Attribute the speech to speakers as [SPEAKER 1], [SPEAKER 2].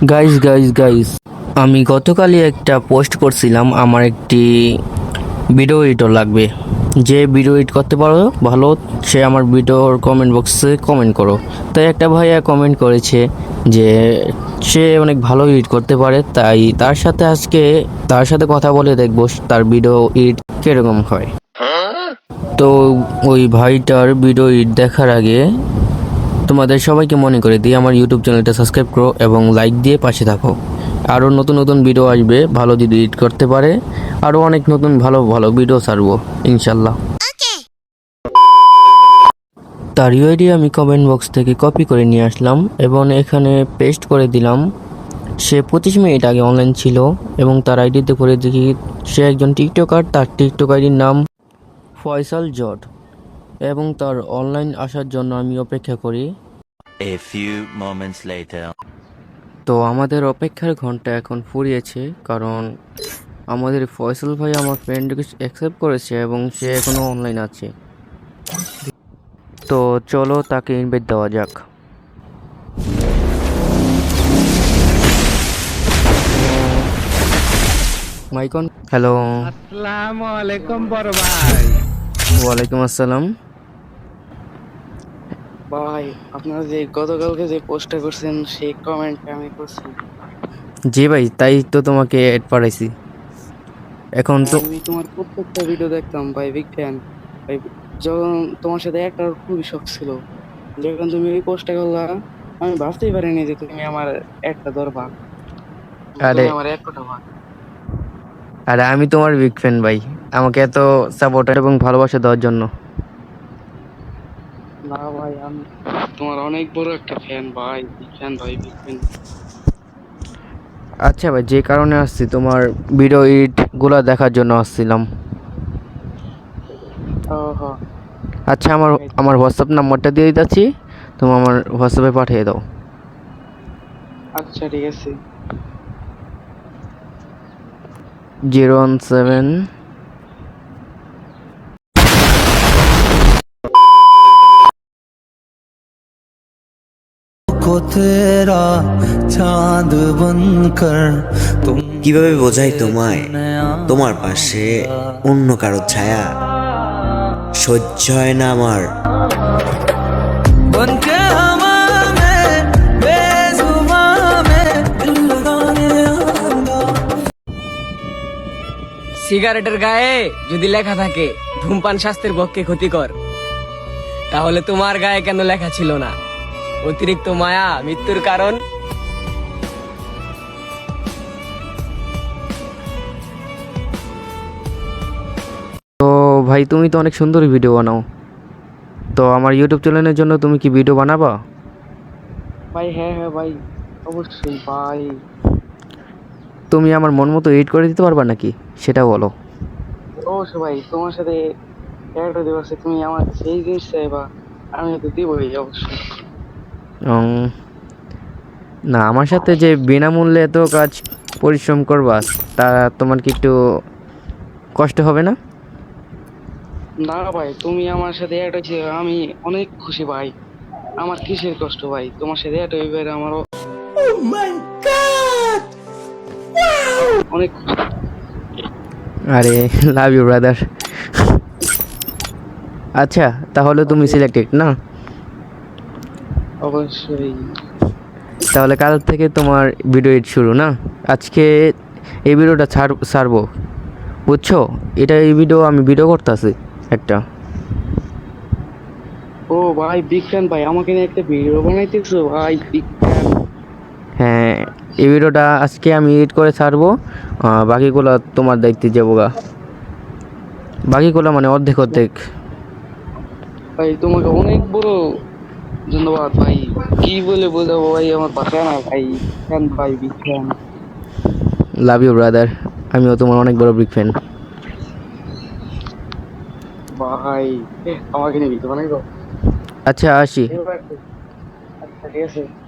[SPEAKER 1] Guys guys guys আমি গতকালই একটা পোস্ট করছিলাম আমার একটি ভিডিও এডিটর লাগবে। যে ভিডিও এডিট করতে পারো ভালো সে আমার ভিডিওর কমেন্ট বক্সে কমেন্ট করো। তাই একটা ভাইয়া কমেন্ট করেছে যে সে অনেক ভালো এডিট করতে পারে, তাই তার সাথে কথা বলে দেখবো তার ভিডিও এডিট কিরকম হয়। তো ওই ভাইটার ভিডিও এডিট দেখার আগে তোমাদের সবাইকে মনে করে দিই আমার ইউটিউব চ্যানেলটা সাবস্ক্রাইব করো এবং লাইক দিয়ে পাশে থাকো। আরও নতুন নতুন ভিডিও আসবে, ভালো যদি এডিট করতে পারে আরও অনেক নতুন ভালো ভালো ভিডিও ছাড়বো ইনশাল্লাহ। তার ইউআইডি আমি কমেন্ট বক্স থেকে কপি করে নিয়ে আসলাম এবং এখানে পেস্ট করে দিলাম। সে 25 মিনিট আগে অনলাইন ছিল এবং তার আইডিতে করে দেখি সে একজন টিকটকার। তার টিকটক আইডির নাম ফয়সাল জট এবং তার অনলাইন আসার জন্য আমি অপেক্ষা করি।
[SPEAKER 2] A few moments later.
[SPEAKER 1] তো আমাদের অপেক্ষার ঘন্টা এখন ফুরিয়েছে, কারণ আমাদের ফয়সাল ভাই আমার ফ্রেন্ড রিকোয়েস্ট অ্যাকসেপ্ট করেছে এবং সে এখনও অনলাইন আছে। তো চলো তাকে ইনভাইট দেওয়া যাক। মাইকন হ্যালো।
[SPEAKER 3] আসসালামু আলাইকুম বড় ভাই।
[SPEAKER 1] ওয়ালাইকুম আসসালাম।
[SPEAKER 4] ভাই, আপনারা যে গতকালকে যে পোস্টটা করছেন সেই কমেন্টটা আমি করছি।
[SPEAKER 1] জি ভাই, তাই তো তোমাকে অ্যাড পাঠাইছি। এখন তো
[SPEAKER 4] আমি তোমার প্রত্যেকটা ভিডিও দেখতাম ভাই, বিগ ফ্যান ভাই। যখন তোমার সাথে একটা খুবই শখ ছিল, যখন তুমি এই পোস্টটা করলা আমি ভাবতেই পারিনি যে তুমি আমার একটা ধরবা,
[SPEAKER 1] আরে
[SPEAKER 4] তুমি আমার এক কথা ভাই।
[SPEAKER 1] আরে আমি তোমার বিগ ফ্যান ভাই, আমাকে এত সাপোর্ট এবং ভালোবাসা দেওয়ার জন্য।
[SPEAKER 4] না ভাই, আমি তোমার অনেক বড় একটা ফ্যান ভাই, বিগ ফ্যান ভাই, বিগ ফ্যান।
[SPEAKER 1] আচ্ছা ভাই, যে কারণে আসছি তোমার ভিডিও এডিটগুলো দেখার জন্য আসছিলাম।
[SPEAKER 4] ওহো,
[SPEAKER 1] আচ্ছা, আমার আমার হোয়াটসঅ্যাপ নাম্বারটা দিয়ে দিচ্ছি, তুমি আমার হোয়াটসঅ্যাপে পাঠিয়ে দাও।
[SPEAKER 4] আচ্ছা ঠিক আছে।
[SPEAKER 1] 017।
[SPEAKER 5] को तेरा चांद बनकर तुम
[SPEAKER 6] কিভাবে বোঝাই তোমায় তোমার পাশে অন্য কারো ছায়া সহ্য হয় না আমার।
[SPEAKER 5] बन के हवा में बेजुबां में दिल लगाने आऊंगा।
[SPEAKER 3] সিগারেটের গায়ে যদি লেখা থাকে ধূমপান স্বাস্থ্যের পক্ষে ক্ষতিকর, তাহলে তোমার গায়ে কেন লেখা ছিল না অতিরিক্ত মায়া মৃত্যুর কারণ?
[SPEAKER 1] তো ভাই, তুমি তো অনেক সুন্দর ভিডিও বানাও, তো আমার ইউটিউব চ্যানেলের জন্য তুমি কি ভিডিও বানাবা?
[SPEAKER 4] ভাই হ্যাঁ হ্যাঁ ভাই, অবশ্যই ভাই।
[SPEAKER 1] তুমি আমার মন মতো এডিট করে দিতে পারবা নাকি, সেটা বলো।
[SPEAKER 4] অবশ্যই ভাই, তোমার সাথে একটা দিবসে তুমি আমার কাছে এই জিনিস চাইবা, আমি তো দিবই অবশ্যই।
[SPEAKER 1] উম, না, আমার সাথে যে বিনামূল্যে এত কাজ পরিশ্রম করবা, তা তোমার কি একটু কষ্ট হবে না?
[SPEAKER 4] না ভাই, তুমি আমার সাথে একটা হয়েছে, আমি অনেক খুশি ভাই। আমার কিসের কষ্ট ভাই, তোমার সাথে একটা হইবে আমারও অনেক খুশি।
[SPEAKER 1] আরে লাভ ইউ ব্রাদার। আচ্ছা, তাহলে তুমি সিলেক্টেড না?
[SPEAKER 4] অবশ্যই
[SPEAKER 1] তাহলে কাল থেকে তোমার ভিডিও এডিট শুরু না? আজকে এই ভিডিওটা ছাড়বো, বুঝছো? এই ভিডিও আমি ভিডিও করতেছি একটা।
[SPEAKER 4] ও ভাই, বিগ ফ্যান ভাই, আমাকে নিয়ে একটা ভিডিও বানাইতেছো ভাই, বিগ ফ্যান।
[SPEAKER 1] হ্যাঁ, এই ভিডিওটা আজকে আমি এডিট করে ছাড়বো। বাকিগুলো তোমার দায়িত্বে যাবো গা, বাকিগুলো মানে অর্ধেক অর্ধেক।
[SPEAKER 4] ভাই তোমাকে অনেক বড় ধন্যবাদ ভাই, কি বলে বোঝাবো ভাই, আমার ভাষা না ভাই। ফ্যান ভাই, big fan
[SPEAKER 1] love you brother, আমিও তোমার অনেক বড় বিগ ফ্যান।
[SPEAKER 4] ভাই। আমাকে নিয়ে ভিডিও বানাইবো?
[SPEAKER 1] আচ্ছা, আসি।
[SPEAKER 4] আচ্ছা ঠিক আছে।